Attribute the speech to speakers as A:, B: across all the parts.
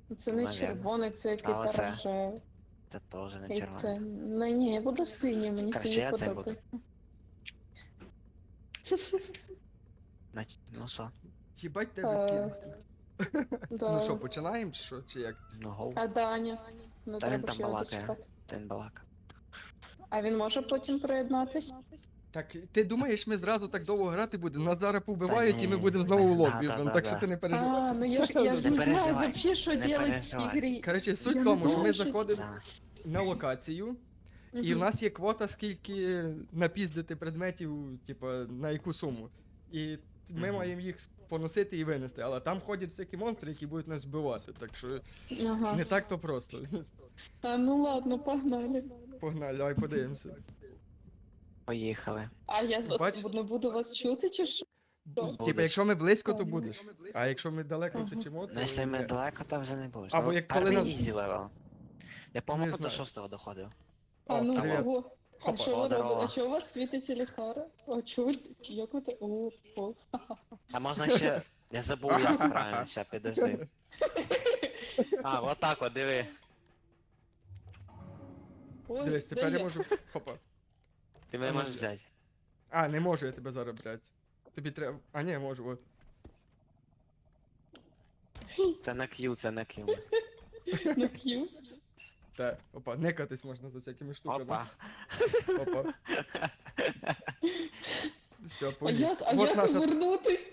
A: Це
B: Ну,
A: не
B: навірно.
A: червоний, це який
B: А оце?
A: рожевий.
B: Це теж не
A: І
B: червоне.
A: це. Ну ні, я буду синій, мені
B: Короче,
A: синій
B: я це буду.
A: подобається.
B: Ну що?
C: Їбать тебе
A: Е,
C: пінг. Ну що,
A: Да.
C: починаємо чи що? Чи як?
B: Ну гоу.
A: А Даня? Не
B: Та він
A: треба
B: там
A: ж його
B: балакає.
A: дочекати.
B: Та він балака.
A: А він може потім приєднатись?
C: Так, ти думаєш, ми зразу так довго грати будемо? Нас зараз повбивають і ми
B: ні,
C: будемо знову в
B: да,
C: лобі,
B: да,
C: так
B: да.
C: що ти не переживай.
A: А, ну я ж не
B: Не
A: знаю
B: переживай,
A: вообще, що
B: не
A: делать в цій
B: переживай.
A: грі.
C: Коротше, суть
A: Я
C: в
A: не
C: тому, що
A: знаю,
C: ми
A: що це.
C: заходимо
B: Да.
C: на локацію, і в
A: Мгм.
C: нас є квота, скільки напіздити предметів, типу, на яку суму. І ми
B: Мгм.
C: маємо їх поносити і винести, але там ходять всякі монстри, які будуть нас вбивати, так що
A: Ага.
C: не так то просто.
A: А, ну ладно, погнали.
C: Погнали, давай подивимося.
B: Поїхали.
A: А я
C: Бач?
A: не буду вас чути, чи що?
C: Типа, якщо ми близько, то
A: Ага.
C: будеш. А якщо ми далеко
A: Ага.
C: втечемо, то.
B: Ну, якщо ми
C: ні.
B: далеко, то вже не будеш.
C: Або
B: Ну,
C: як коли
B: перший
C: нас-
B: ізі левел. Я,
C: Не
B: по-моєму, до
C: знаю.
B: 6-го доходив.
A: А
C: О,
A: ну,
C: привіт.
A: ого. А
C: Хопа.
A: що ви
B: О, здорово.
A: робите? А що у вас світиться ліхтара? А чого? Як ви те? О.
B: А можна ще... Я забув, як правильно, ще підожди. А, вот так от, диви.
A: Ой,
C: Дивись,
A: де
C: тепер я
A: я?
C: можу. Хопа.
B: Ти мене можеш взяти.
C: А, не можу я тебе зараз брати. Тобі треба. А, ні, можу, от.
B: Це на Q, це на Q.
A: На Q?
C: Та, опа, никатись можна за всякими штуками.
B: Опа.
C: Опа. Все,
A: А
C: поліз.
A: як
C: Вот наша.
A: вернутись?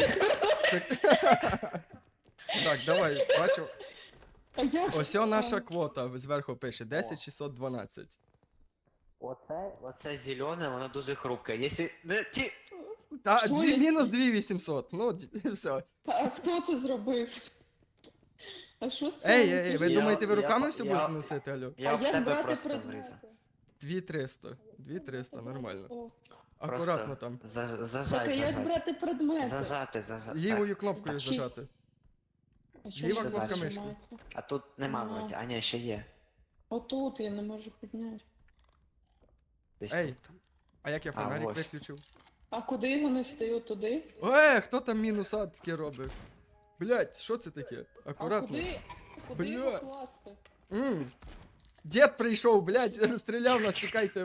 C: Так, давай, бачу.
A: А як?
C: Ось наша квота зверху пише 10612.
B: Оце зелене, воно дуже хрупке. Якщо... Не, ті...
C: Та,
A: Що є?
C: мінус 2800. Ну, все.
A: А хто це зробив? А що сталося?
C: Ей, ви
B: Я-
C: думаєте, ви
B: я-
C: руками все
B: я-
C: будете носити, алло?
B: Я
A: А
B: в
A: як
B: тебе
A: брати
B: просто
A: предмети?
B: врізав.
C: 2300. 2300, нормально.
A: О,
C: Акуратно там.
B: Зажать,
A: Так, а як
B: зажать.
A: брати предмети?
B: Зажати.
C: Лівою кнопкою
A: Чи-
C: зажати.
A: А чому
C: Ліва
A: ви
B: кнопка
A: нажимаєте?
C: мишки.
B: А тут нема
A: Ага.
B: вроді. А ні, ще є.
A: Отут я не можу підняти.
B: Десь
C: Ей.
B: тут.
C: А як я
B: А,
C: фонарик
B: ось.
C: виключив?
A: А куди його нести? Туди?
C: Хто там мінуса таке робить? Блять, що це таке?
A: А
C: Акуратно.
A: куди
C: Бля.
A: його класти?
C: Дід прийшов, блять, розстріляв нас, тікайте.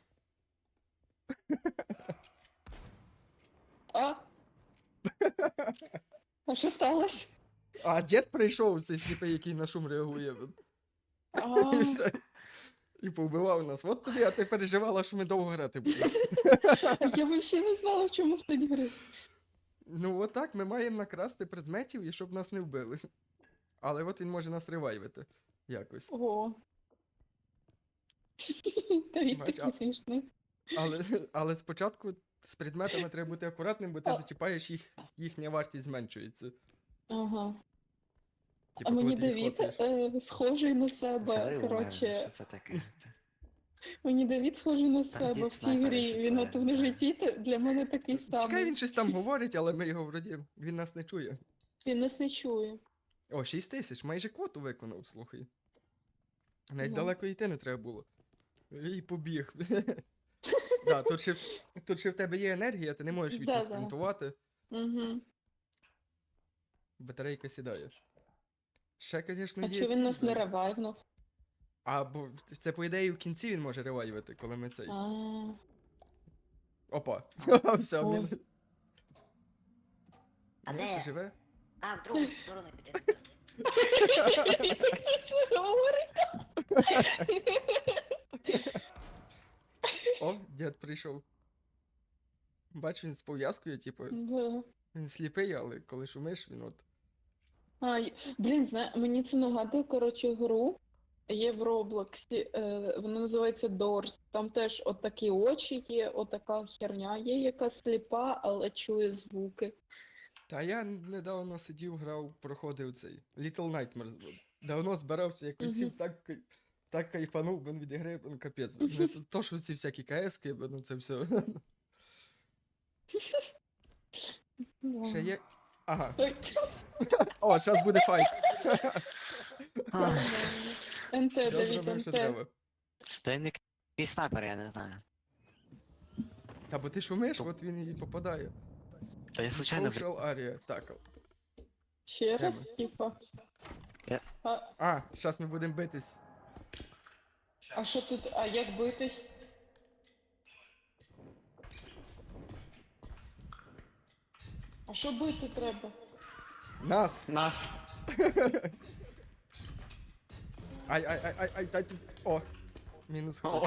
A: А? А що сталося?
C: А дід прийшов, цей сліпий, який на шум реагує.
A: А,
C: І все. І повбивав нас. От тобі, а ти переживала, що ми довго грати будемо.
A: я взагалі не знала, в чому суть гри.
C: Ну отак, ми маємо накрасти предметів і щоб нас не вбили. Але от він може нас ревайвити. Якось.
A: Ого. Та він
C: Бач,
A: такий смішний.
C: Але спочатку з предметами треба бути акуратним, бо ти
A: А.
C: зачіпаєш їх, їхня вартість зменшується.
A: Ага.
C: Типу,
A: А мені
C: коли ти їх
A: Давід
C: коцаєш.
A: схожий на
B: Взяли
A: себе.
B: у
A: Коротше,
B: мене, що це таке?
A: мені Давід схожий на себе
B: Дід
A: в цій
B: снайпер
A: грі.
B: ще
A: Він от
B: правильно
A: в житті для мене такий
C: Чекай,
A: самий.
C: він щось там говорить, але ми його вроді. Він нас не чує.
A: Він нас не чує.
C: О, 6000, майже квоту виконав, слухай. Навіть
A: Ну.
C: далеко йти не треба було. І побіг. Да, тут ще в тебе є енергія, ти не можеш
A: Да-да.
C: відспринтувати.
A: Угу.
C: Батарейка сідає. Ще, звісно,
A: А
C: є.
A: чи він
C: ці,
A: нас не
C: блін.
A: ревайвнув?
C: А, бо це, по ідеї, в кінці він може ревайвити, коли ми цей.
A: А,
C: Опа. Все,
A: Ой.
C: він.
D: А
C: Він ще
D: де?
C: живе?
D: А, в другу сторону піде.
A: Він так смішно говорить.
C: О, дід прийшов. Бач, він з пов'язкою, типу,
A: Да.
C: він сліпий, але коли шумиш, він от.
A: Блін, мені це нагадує, коротше, гру. Є в Роблоксі, вона називається Doors. Там теж отакі очі є, отака херня є, яка сліпа, але чує звуки.
C: Та я недавно сидів, грав, проходив цей Little Nightmares. Давно збирався, якось сів так кайфанув, бо від ігри, ну капець. Не то, що ці всякі КС-ки, ну це все. Ще є. Ага.
A: Ой.
C: О, зараз буде файт.
A: НТ,
C: Я
A: Давід,
C: зробив, що
A: НТ.
C: треба.
B: Та він якийсь снайпер, я не знаю.
C: Та бо ти шумиш, от він і попадає.
B: Та я случайно...
C: Social area, так.
A: Ще раз, типа. А,
C: зараз ми будемо битись.
A: а що тут? А як битись? А що бити треба?
C: Нас!
B: Нас.
C: Ай, дай ти. О! Мінус хтось.
B: О,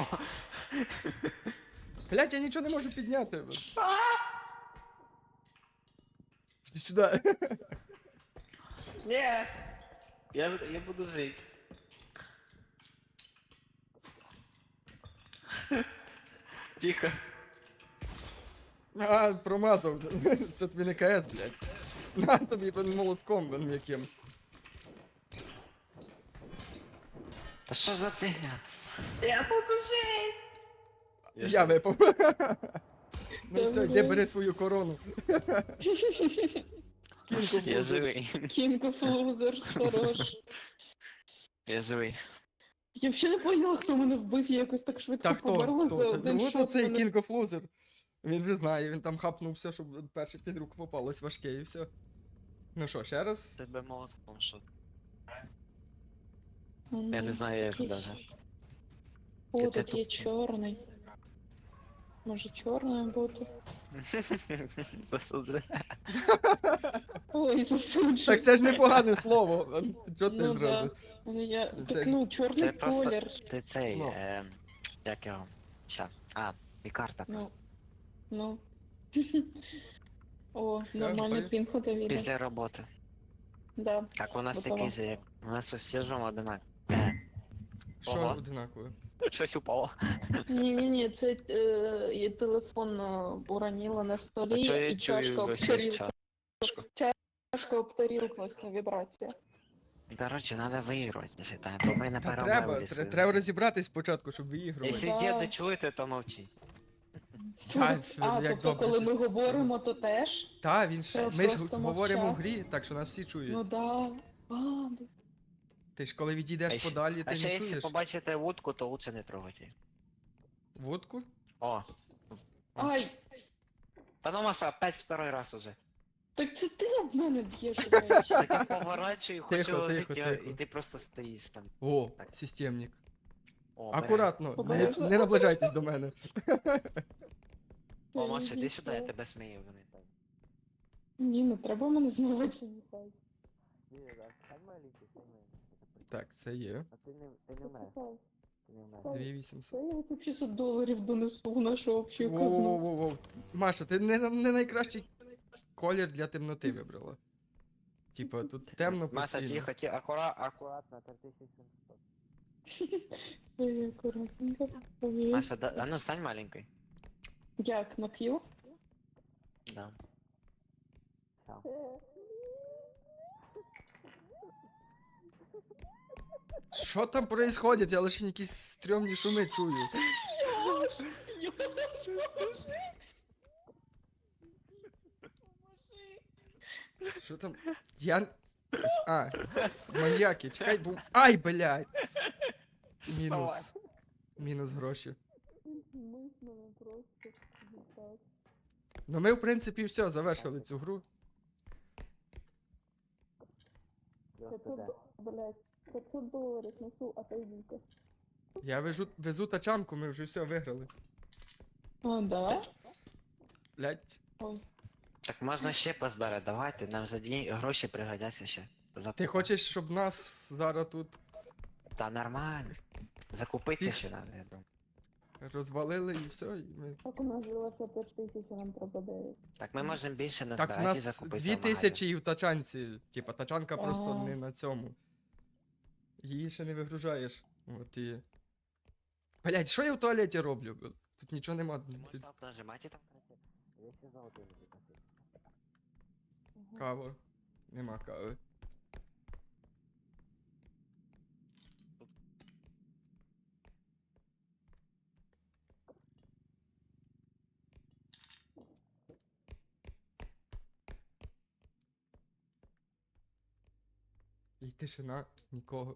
C: Блять, я нічого не можу підняти. Іди сюди.
B: ні. Я буду жити. Тихо.
C: А, промазав. Це тобі не КС, блядь. На тобі молотком блін, м'яким.
B: Та що за фігня? Я буду жити.
C: Я випав. Ну все, йди
A: блядь.
C: бери свою корону. Кінг
B: Я живий.
A: King of Losers, хорош.
B: Я живий.
A: Я взагалі не поняла, хто мене вбив, я якось так швидко
C: Та хто?
A: померла за
C: Хто?
A: один
C: Ну от
A: шот.
C: оцей
A: мене-
C: King of Loser. Він вже знає, він там хапнувся, щоб перше під руку попалось важке і все. Ну що, ще раз?
B: Тебе молотком що?
A: Ну,
B: Я не знаю, як
A: такий.
B: даже.
A: О,
B: Ти
A: тут є
B: тут-
A: чорний. Може чорний бути?
B: Засуджую.
A: Ой, засуджую.
C: Так це ж непогане слово. Чого ти
A: Ну
C: зразу?
A: да. Я...
C: Це
A: Так
C: ж-
A: ну, чорний
B: Це просто-
A: колір.
B: Ти цей,
C: Ну.
B: як його? Ща. А, і карта
A: Ну.
B: просто.
A: Ну. О,
C: Все,
A: нормальний
C: готові?
A: твін ходові.
B: Після роботи.
A: Да.
B: Так, у нас
A: Готово.
B: такий же, як. У нас ось сіжом одинаково.
C: Що
B: Ого.
C: одинакове?
B: Щось упало.
A: Ні, це я телефон уронила на
B: А
A: столі
B: чого я
A: і чашка
B: чую
A: об
B: досі
A: тарілку.
B: чашку?
A: Чашка об тарілку на вібрація.
B: Короче, надо виігрувати, считаю, бо ми не
C: Та
B: перемогли.
C: треба розібратись спочатку, щоб виігрувати.
B: Якщо
A: Да.
B: дід не чуєте, то мовчи.
C: Та,
A: А,
C: як
A: тобто,
C: добре
A: коли
C: ти
A: ми говоримо, то теж?
C: Та, він ж.
A: Треба
C: Ми ж
A: просто
C: говоримо в
A: мовчати.
C: грі, так що нас всі чують.
A: Ну да. А,
C: Ти ж коли відійдеш
B: А ще-
C: подалі,
B: А
C: ти
B: ще
C: не
B: якщо
C: чуєш.
B: побачите вудку, то лучше не трогайте її.
C: Водку?
B: О.
A: ай,
B: Та ну Маша, опять второй раз уже.
A: так це ти об мене б'єш речі.
B: Так я поворачую, хочу
C: Тихо,
B: ложити,
C: тихо, тихо.
B: і ти просто стоїш там.
C: О,
B: Так.
C: системник.
B: О, бля.
C: Акуратно,
A: Обережно.
C: не наближайтесь до мене.
B: О, Маша, іди сюди, я тебе смію. Вони так.
A: Ні, не треба мене змивати.
C: Так, це є.
B: А ти не вмреш. Ти не вмреш.
C: 2800.
A: Це я от 500 доларів донесу в нашу общу казну.
C: Воу-воу-воу. Маша, ти не найкращий колір для темноти вибрала. Типа, тут темно
B: Маша,
C: постійно.
B: тихо, акуратно, 3700.
A: Ой, акуратненько. Ой.
B: Маша, а ну стань маленькой.
A: Як, на Q?
B: Да.
C: Що там происходит? Я лише якісь стрьомні шуми чую. Що там? Я... А, маньяки, чекай, бо... Ай, блядь! Мінус. Мінус гроші. Ну ми, в принципі, все, завершили цю гру.
A: 500 доларів несу, отойдите.
C: Я везу тачанку, ми вже все виграли.
A: А, да?
C: Блядь.
A: Ой.
B: Так можна ще позбирати, давайте, нам за гроші пригодяться ще.
C: Ти
B: Закупа.
C: хочеш, щоб нас зараз тут
B: Та нормально. Закупитися ще надо, я думаю.
C: розвалили і все, і ми...
A: Так у нас залишилося 5 тисяч, а нам треба 9.
B: Так ми можемо більше
C: Так, в
B: назбирати і
C: нас
B: закупитися
C: 2000 і в тачанці. Типа, тачанка просто
A: А.
C: не на цьому. Її ще не вигружаєш. От і. Блять, що я в туалеті роблю? Тут нічого нема.
B: Можна нажимати там. Я ще золотий не закупив.
C: Кава. Нема кави. І тишина, нікого.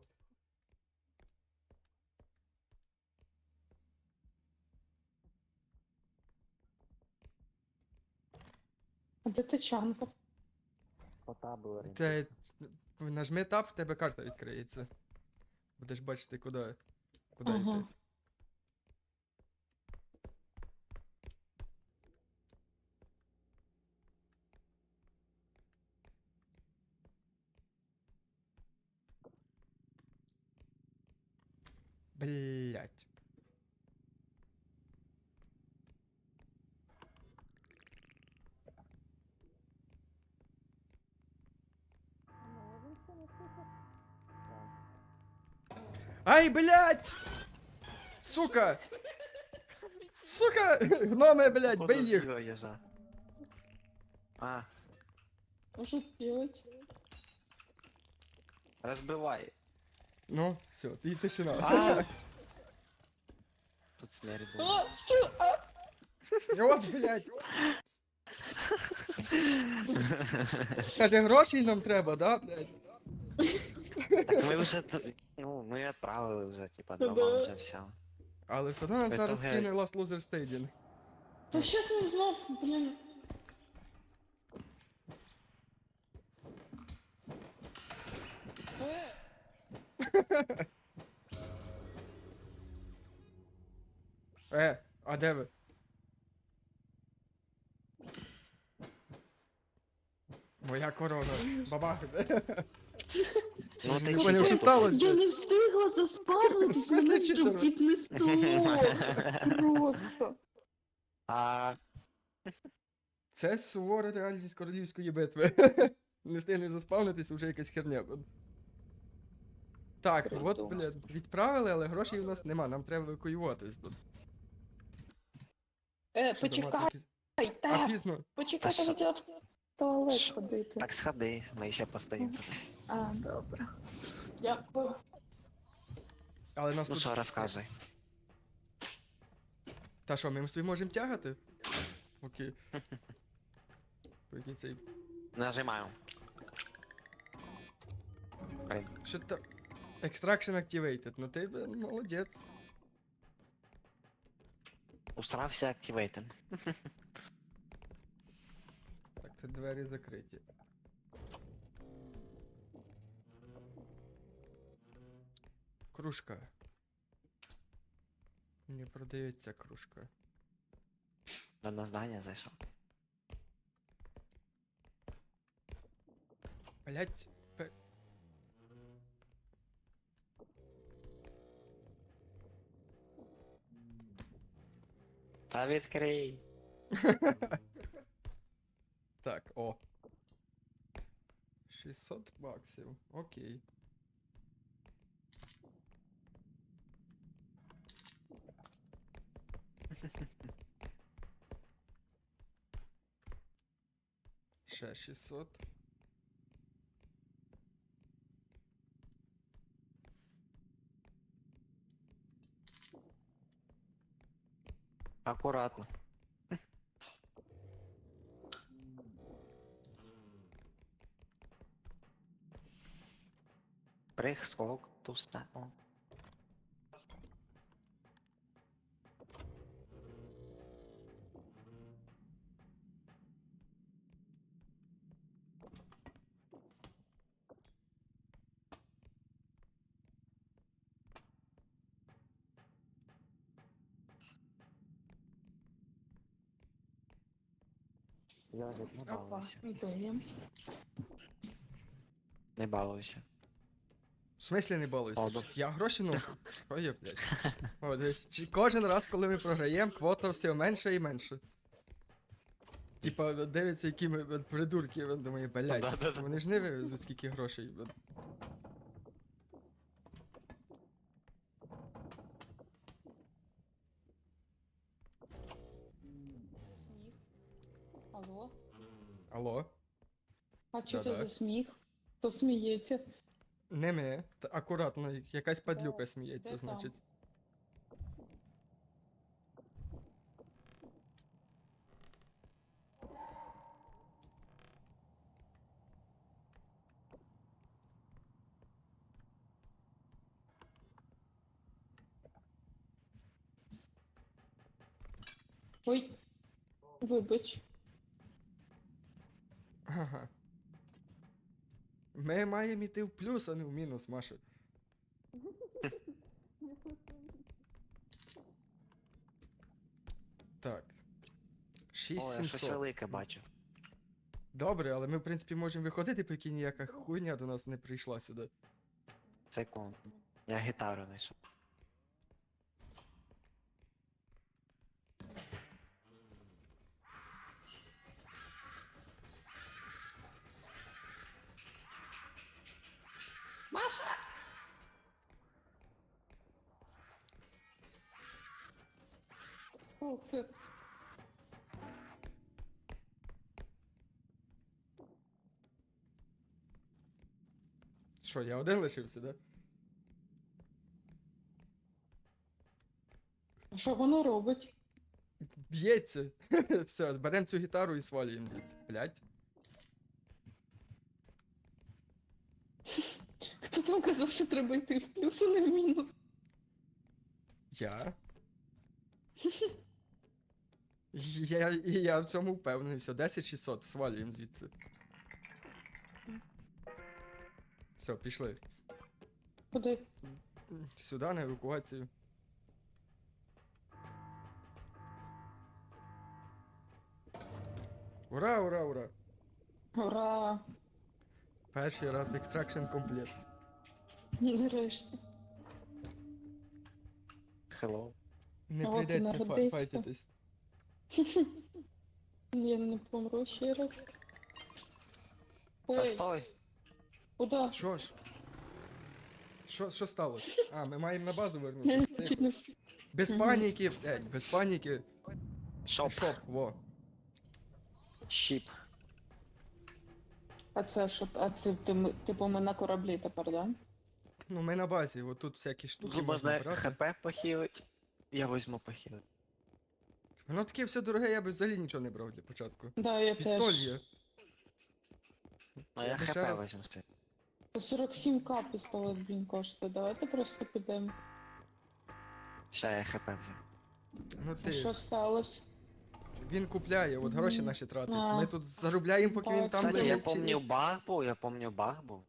A: А де тачанка?
B: По табу
C: Це нажми тап, в тебе карта відкриється. Будеш бачити, куди
A: Ага.
C: йти. Блять. Ай, блять! Сука! Сука! Гноми, блять,
B: Походу,
C: бей їх!
B: з'їла їжа. А,
A: А що делать?
B: розбивай.
C: Ну, все, і тишина.
B: А! Тут смерть була.
A: А, що? А?
C: От, блять! Каже, грошей нам треба, да, блять?
B: Так ми вже, ну, ми відправили вже, типа,
A: Да.
B: дома вже все.
C: Але все одно нас
B: Це
C: зараз
B: геть.
C: кине Last Loser Stadium.
A: Та щас ми знов, блін. Е,
C: А де ви? Моя корона. Бабах.
B: Ну ти
C: Не поняв, що
B: читер.
C: сталося?
A: Я не встигла заспавнитись,
C: В смислі
A: мене вже
C: читер?
A: віднесло. Просто.
B: А,
C: Це сувора реальність королівської битви. Не встигнеш заспавнитись, уже якась херня. Так, от,
A: Придумав.
C: блядь, відправили, але грошей у нас нема, нам треба евакуюватись. Щоб
A: Почекай,
C: мати якісь- А
A: та,
C: пізно.
A: почекай,
B: Та
A: я хотіла в туалет
B: Що?
A: ходити.
B: так сходи, ми ще постоїмо.
A: А, добре. Дякую.
C: Але нас
B: Ну
C: тут...
B: що, розказуй.
C: Та що, ми собі можемо тягати? Окей. Прикинь, цей...
B: Нажимаю. Блін,
C: Що там? Extraction activated. Ну ти, блін, молодець.
B: устрався активейтен.
C: Так, це двері закриті. Кружка. Не продається кружка.
B: На здання зайшов.
C: Блять.
B: Та відкрий.
C: Так, о. 600 баксів. Окей. Ще 600.
B: Акуратно. Прих, скок, туста. О. Йожик, не
A: Опа,
B: балуйся.
A: ідея.
B: Не балуйся.
C: В смислі не балуйся?
B: Ладно.
C: Я гроші ношу. Що є, блядь? О, дивись, кожен раз, коли ми програємо, квота все менше і менше. Типа, дивиться, які ми придурки, він думає, блядь,
B: Да-да-да.
C: вони ж не вивезуть скільки грошей.
A: Сміх. Алло?
C: Алло?
A: А що це
C: Да-да.
A: за сміх? Хто сміється?
C: Не ми. Акуратно, якась падлюка
A: Де
C: сміється,
A: там?
C: значить.
A: Ой, вибач.
C: Ага. Ми маємо йти в плюс, а не в мінус, Маша. Так.
B: О, я щось
C: 6700.
B: велике бачу.
C: Добре, але ми, в принципі, можемо виходити, поки ніяка хуйня до нас не прийшла сюди.
B: Секунду. Я гітару знайшов. Маша!
A: О, ти-
C: Що, я один лишився, да?
A: А що воно робить?
C: Б'ється. Все, беремо цю гітару і свалюємо звідси. Блять.
A: Хто там казав, що треба йти в плюс, а не в мінус?
C: Я? Я в цьому впевнений. Все, 10600, свалюємо звідси. Все, пішли.
A: Куди?
C: Сюди на евакуацію. Ура, ура, ура!
A: Ура!
C: Перший раз екстракшн комплект.
A: Нарешті.
B: Hello.
C: Не
A: От і
C: прийдеться
A: народився.
C: файтитись.
A: Я не помру ще раз.
B: Та
A: Ой,
B: стой!
A: куди?
C: Що ж? Що сталося? А, ми маємо на базу вернутися.
A: Чуть не...
C: Без
A: Мгм.
C: паніки, без паніки.
B: Шоп.
C: Шоп, во.
B: Щіп.
A: А це що? А це типу ми на кораблі тепер, да?
C: Ну, ми на базі, от тут всякі штуки
B: Тут
C: можна
B: можна
C: брати.
B: хп похилить. Я возьму похилить.
C: Воно таке все дороге, я б взагалі нічого не брав для початку.
A: Да, я
C: Пістоль
A: теж.
C: є.
B: Ну я
C: би ще
B: хп
C: раз-
B: возьму все.
A: 47к пістолет, блін, коштує. Давайте просто підемо.
B: Ще я хп взяв.
C: Ну
A: А що
C: ти,
A: сталося?
C: він купляє, от гроші
A: Мгм.
C: наші тратить.
A: А.
C: Ми тут заробляємо, поки він там
A: Кстати,
B: Кстати, я
C: лежить. чи ні.
B: помню баг був.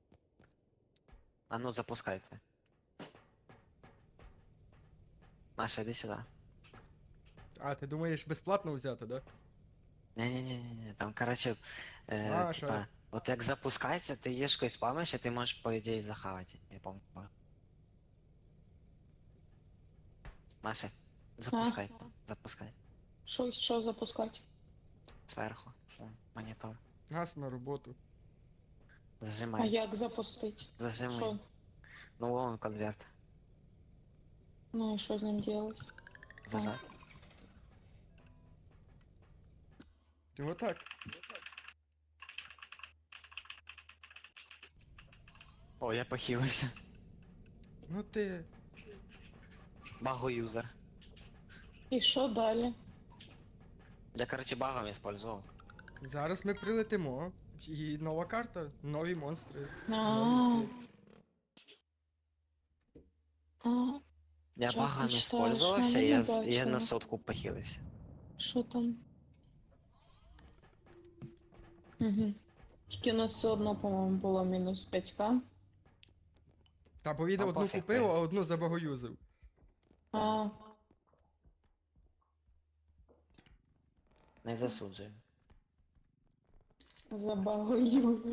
B: А ну запускайте. Маша, іди сюди.
C: А, ти думаєш безплатно взяти, да?
B: Не, там, короче,
C: Маша.
B: типа, от як запускається, ти єшкою спамиш, і ти можеш, по ідеї, захавати. Я помню. Маша, запускай, запускай.
A: Що запускати?
B: Зверху. О, монітор.
C: Газ на роботу.
A: А
B: Зажимай.
A: як запустити?
B: Зажимай.
A: Що?
B: Ну вон конверт.
A: Ну і що з ним делать?
B: Зажать.
C: Ти отак.
B: О, я похилився.
C: Ну ти.
B: Багу юзер.
A: І що далі?
B: Я, короче, багом использовал.
C: Зараз ми прилетимо. І нова карта, нові монстри.
A: А,
C: Нові ці.
A: а,
B: Я
A: Чё
B: багом
A: ты читаешь?
B: использовался,
A: Я
B: я,
A: не
B: я на
A: бачила.
B: сотку похилився.
A: що там? Угу. Тільки у нас все одно, по-моєму, було мінус 5к.
C: Та бо він
B: Там
C: одну
B: пофіг,
C: купив,
B: блін.
C: а одну забагоюзив.
A: А,
B: Не засуджую.
A: забагу юзер.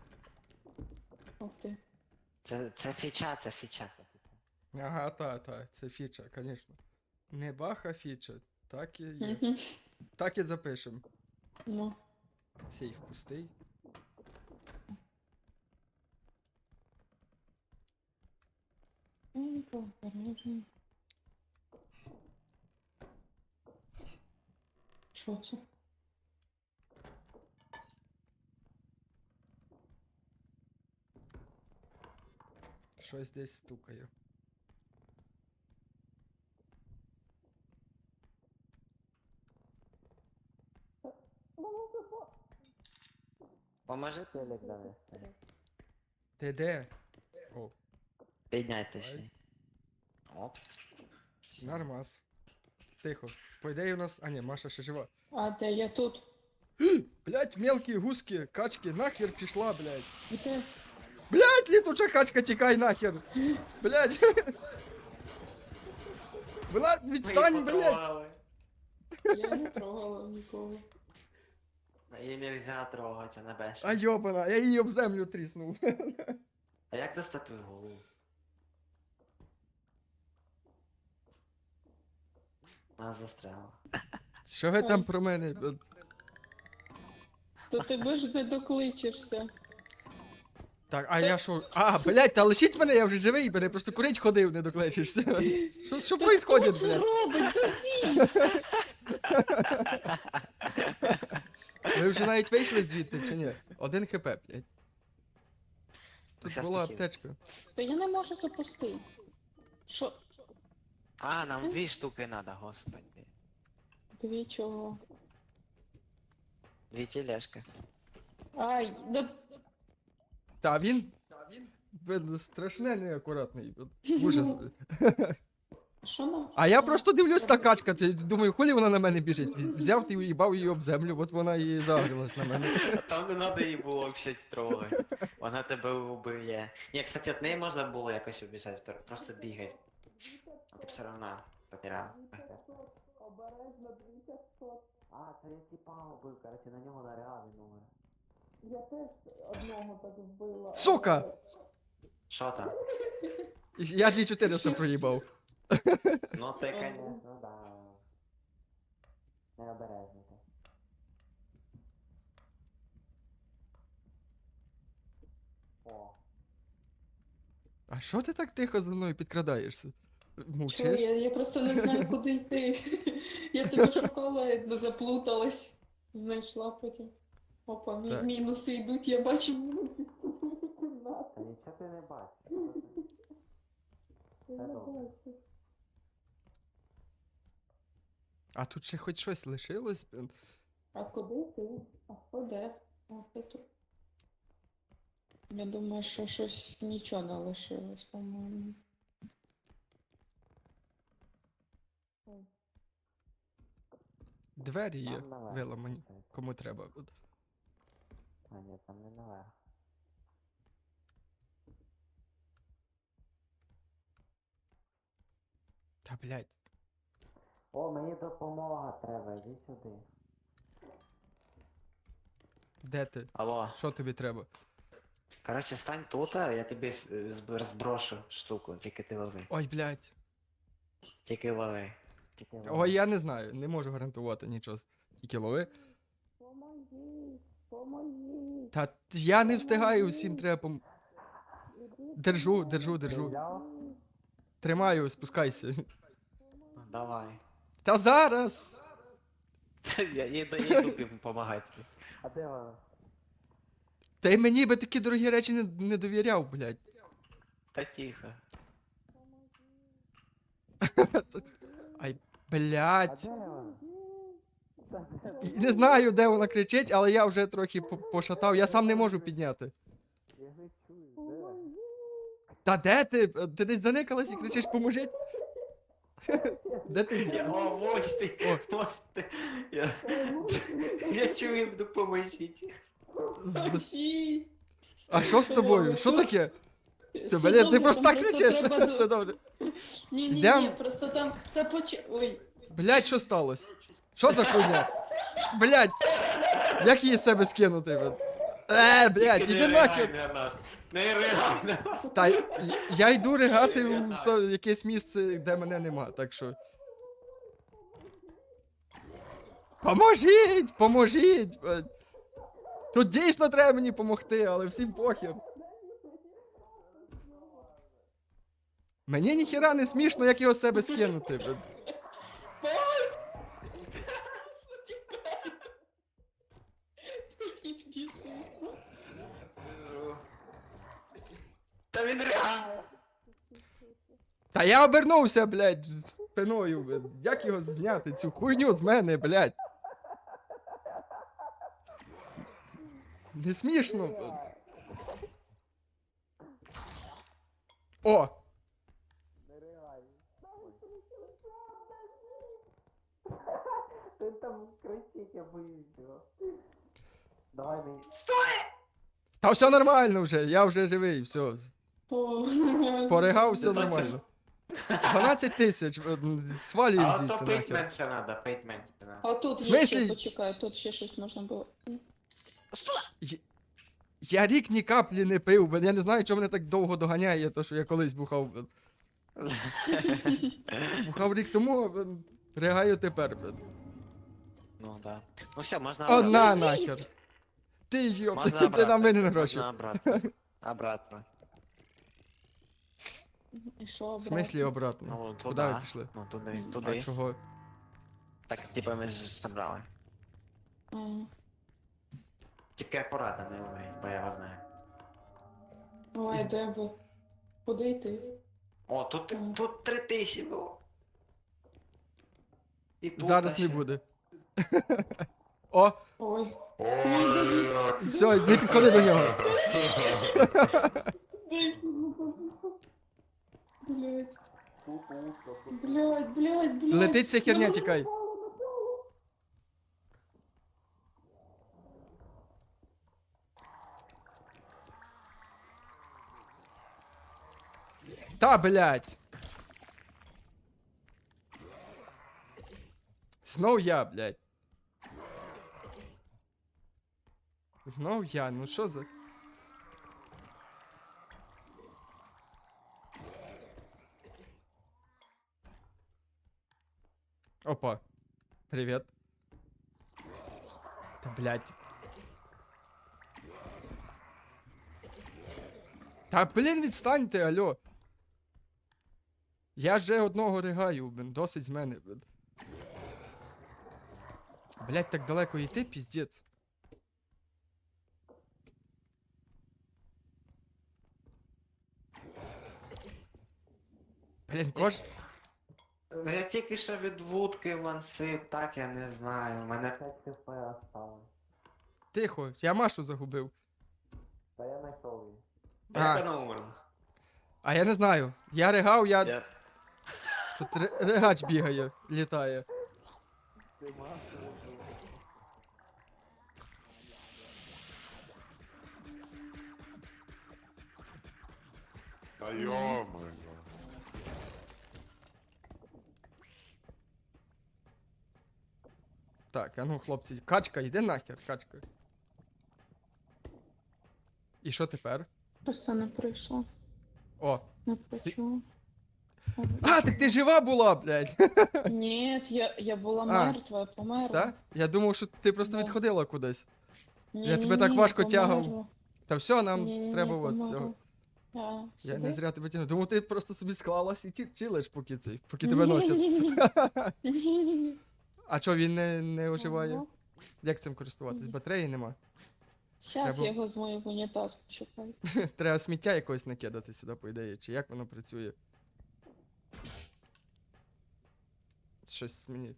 A: Ух ти.
B: Це фіча, це фіча.
C: Ага, та, це фіча, звісно. Не баха фіча. Так і є.
A: Мгм.
C: Так і запишем.
A: Ну.
C: Сейф пустий.
A: Що це?
C: Щось десь стукає.
B: Поможи телек довести.
C: Ти де? О,
B: Підняй точніше. Оп.
C: нормас. Тихо. По ідеї у нас. А ні, Маша ще жива.
A: А де я тут?
C: Блять, мелкі гуски, качки, нахер пішла, блять.
A: Яке?
C: Блять, літуча качка, тікай нахер. Блять. Вона, відстань, блять.
B: потрогали.
A: Я не трогала нікого.
B: Її нельзя трогати, вона бешена.
C: А йобана, я її об землю тріснув.
B: А як достати голову? Вона застряла.
C: Що ви там про мене?
A: То ти ж не докличешся.
C: Так, а я що? А, блять, та лишіть мене, я вже живий, мене просто курить ходив, не докличешся. Що происходит,
A: Хто це
C: блядь?
A: робить?
C: Ви вже навіть вийшли звідти, чи ні? 1 хп, блядь. Тут
B: Щас
C: була
B: похилиться.
C: аптечка.
A: Та я не можу запустити. Що?
B: А, нам 2 штуки надо, господи.
A: Дві чого?
B: 2 тележки.
A: Ай, да...
C: Та він страшне неакуратний. Ужас.
A: Що нам?
C: А я просто дивлюсь та качка, думаю, хулі вона на мене біжить. Взяв і уїбав її об землю, от вона і загрілась на мене.
B: Там не надо її було взагалі трогати. Вона тебе вбиє. Ні, кстати, від неї можна було якось убіжати, просто бігай. А ти все одно потеряв. А, це я типа вбив, короче, на нього нарядний номер.
A: Я теж одного так вбила.
C: Сука!
B: Що там?
C: Я 2400 проїбав.
B: Ну ти, конечно, да. Необережно ти. О.
C: А що ти так тихо за мною підкрадаєшся?
A: Чого?
C: Мовчиш?
A: Я просто не знаю, куди йти. Я тебе шукала, не заплуталась. Знайшла потім. Опа,
C: Так.
A: мінуси йдуть, я бачу.
B: Та нічого ти не бачиш.
A: Я
B: Це добре.
A: бачу.
C: А тут ще хоч щось лишилось?
A: А куди ти? А куди? А ти тут. Я думаю, що щось нічого не лишилось, по-моєму.
C: Двері є
B: Там наверх.
C: виламані. Кому треба.
B: А ні, там не наверх.
C: Та блядь.
B: О, мені допомога треба, іди сюди.
C: Де ти?
B: Алло.
C: Що тобі треба?
B: Короче, стань тут, а я тобі розброшу штуку, тільки ти лови.
C: Ой, блядь.
B: Тільки лови. Тільки лови.
C: Ой, я не знаю, не можу гарантувати нічого. Тільки лови.
A: Поможіть, поможіть.
C: Та я не встигаю, усім треба Держу.
B: Взяв?
C: Тримаю, спускайся.
B: Давай.
C: Та зараз!
B: Я йду допомагати тобі. А де вона?
C: Та й мені би такі дорогі речі не довіряв, блядь.
B: Та тихо.
C: Ай, блядь.
B: вона?
C: І не знаю, де вона кричить, але я вже трохи пошатав, я сам не можу підняти.
B: Я не чую,
C: Та де ти? Ти десь заникалась і кричиш, поможіть? Де ти?
B: де? О, ось ти, ось ти. Я чую, допоможіть.
A: Всі.
C: А що з тобою? Що таке? Ти,
A: Все
C: блін, ти
A: добре,
C: просто
A: там
C: так кричиш?
A: треба
C: Все добре.
A: Ні,
C: Йдем?
A: просто там. Та Ой.
C: Блядь, що сталося? Що за хуйня? Блядь! Як її з себе скинути? Блядь,
B: Тільки
C: іди
B: не
C: нахер!
B: ригай на нас. Не ригай на нас.
C: Та я йду ригати в якесь місце, де мене нема, так що. Поможіть! Поможіть! Тут дійсно треба мені допомогти, але всім похер. Мені ніхіра не смішно, як його з себе скинути.
A: Підбіжи.
B: Та він ригає.
C: Та я обернувся, блядь, спиною. Як його зняти, цю хуйню з мене, блядь? Не смішно. О!
B: він там кричить, я боюсь його. Давай мені.
C: Та все нормально вже, я вже живий, все.
A: О,
C: Поригав, все
B: Та це
C: нормально. 12 тисяч, свалюємо
B: А
C: звідси
B: то пить
C: нахер.
B: менше надо, пить менше надо.
A: А тут
C: В
A: є
C: смислі?
A: ще, почекай, тут ще щось можна було.
C: Я рік ні каплі не пив, бо я не знаю, чого мене так довго доганяє, то що я колись бухав. Бухав рік тому, ригаю тепер.
B: Ну да. Ну все, можна
C: О,
B: обратно.
C: на нахер. Ти йоп,
B: Можна
C: ти
B: обратно.
C: на мене гроші.
B: Можна обратно. Обратно.
A: І що,
C: В смислі обратно?
B: Ну,
C: Куди
B: туди.
C: ви пішли?
B: Ну, туди,
C: А
B: туди.
C: чого?
B: Так, типа ми ж забрали.
A: А,
B: Тільки акуратно не умріть, бо я вас знаю.
A: ой, де ви? Куди йти?
B: О, тут 3000 було. І тут
C: Зараз
B: ще.
C: не буде. О,
A: Ой.
C: все, не підходи до нього.
A: Блять. Блять.
C: Летить ця херня, тікай. Та, блядь. Знов я, блядь. Знов я, ну що за... Опа. Привет. Та, блядь. Та, блін, відстаньте, алло. Я вже одного ригаю, блін, досить з мене, блін. Блядь, так далеко йти, піздець. Блін,
B: Я тільки що від вудки мансив, так я не знаю. У мене 5 хп осталось.
C: Тихо, я Машу загубив.
B: Та я знайшов її.
C: А.
B: Як вона умерла?
C: А я не знаю. Я ригав,
B: Я...
C: Тут ригач бігає, літає.
E: Та йо-моє.
C: Так, а ну, хлопці, качка, йди нахер, качка. І що тепер?
A: Просто не прийшла.
C: О.
A: Не почула.
C: А, так ти жива була, блядь.
A: Ні, я була
C: А.
A: мертва, я померла.
C: Так? Я думав, що ти просто
A: Да.
C: відходила кудись.
A: Ні,
C: Я
A: ні,
C: тебе так
A: ні,
C: важко
A: померла.
C: тягав. Та все, нам
A: Ні-ні-ні,
C: треба от
A: померла.
C: цього. Я не
A: сюди?
C: зря тебе тягну. Думав, ти просто собі склалась і чилиш, поки тебе носять.
A: Ні-ні-ні.
C: А чо, він не оживає?
A: Ага.
C: Як цим користуватись? Батареї нема.
A: Щас
C: Треба-
A: я його змою в унітаз, почекай.
C: Треба сміття якось накидати сюди, по ідеї, чи як воно працює. Щось мені.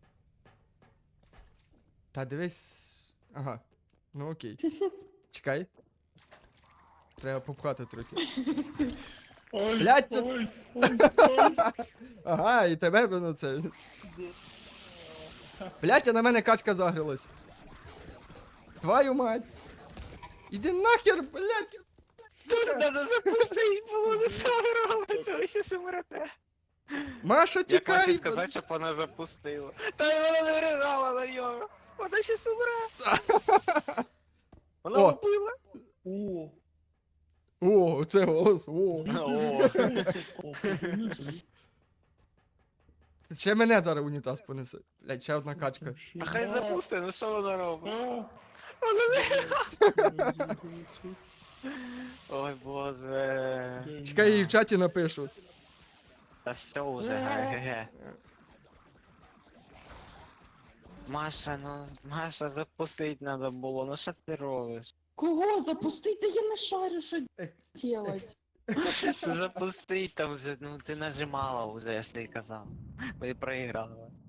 C: Та дивись. Ага. Ну окей. Чекай. Треба попхати трохи. Блядь, це... Ага, і тебе воно це. Блядь, а на мене качка загрілась. Твою мать. Іди нахер, блядь. Сука.
B: Надо запустити було, ну що ви робите? Ви щас умрете.
C: Маша,
B: Як
C: тікай.
B: ваші сказати, щоб вона запустила? Та вона не ригала на нього. Вона щас умре. Вона
C: О.
B: вбила.
C: О, це голос. О.
B: О.
C: Ще мене зараз унітаз понесе. Блядь, ще одна качка.
B: Та хай запусти, ну що вона робить? Ой боже.
C: Чекай, я їй в чаті напишу.
B: Та все уже, ге-ге. Маша, ну, Маша, запустить надо було, ну що ти робиш?
A: Кого запустити? Я не шарю, що
C: Ех,
A: делать.
B: Запустить там вже, ну ти нажимала вже, я ж тобі казав. Ви проіграли.